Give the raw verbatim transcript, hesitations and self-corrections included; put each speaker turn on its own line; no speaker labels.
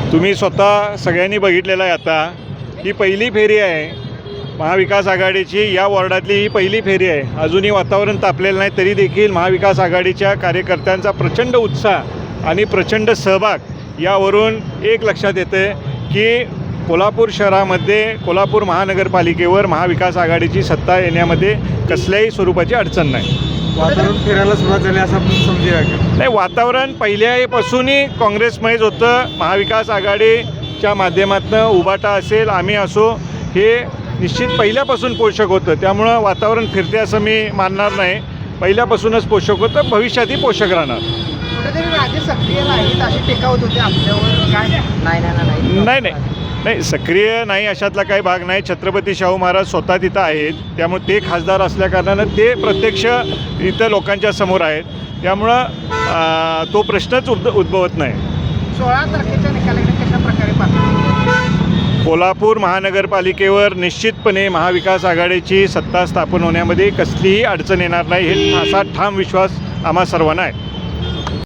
तुम्ही स्वतः सगळ्यांनी बघितलेलं आहे आता, ही पहिली फेरी आहे महाविकास आघाडीची. या वॉर्डातली ही पहिली फेरी आहे. अजूनही वातावरण तापलेलं नाही, तरी देखील महाविकास आघाडीच्या कार्यकर्त्यांचा प्रचंड उत्साह आणि प्रचंड सहभाग यावरून एक लक्षात येते की कोल्हापूर शहरामध्ये कोल्हापूर महानगरपालिकेवर महाविकास आघाडीची सत्ता येण्यामध्ये कसल्याही स्वरूपाची अडचण नाही.
वातावरण फिरायला सुरुवात झाली असं आपण समजूया का?
नाही, वातावरण पहिल्यापासूनही काँग्रेसमयच होतं. महाविकास आघाडीच्या माध्यमातून उभाटा असेल, आम्ही असो, हे निश्चित पहिल्यापासून पोषक होतं. त्यामुळं वातावरण फिरते असं मी मानणार नाही. पहिल्यापासूनच पोषक होतं, भविष्यातही पोषक राहणार.
कुठेतरी राजे सक्रिय नाहीत अशी टीका होत होती आपल्यावर, काय नाही नाही
नाही नाही नाही सक्रिय नाही अशातला काही भाग नाही. छत्रपती शाहू महाराज स्वतः तिथं आहेत, त्यामुळे ते खासदार असल्याकारणानं ते प्रत्यक्ष इथं लोकांच्या समोर आहेत. त्यामुळं तो प्रश्नच उद् उद्भवत नाही.
सोळा तारखेच्या निकालाकडे कशा प्रकारे पाहतो?
कोल्हापूर महानगरपालिकेवर निश्चितपणे महाविकास आघाडीची सत्ता स्थापन होण्यामध्ये कसलीही अडचण येणार नाही, हे असा ठाम विश्वास आम्हा सर्वांना आहे.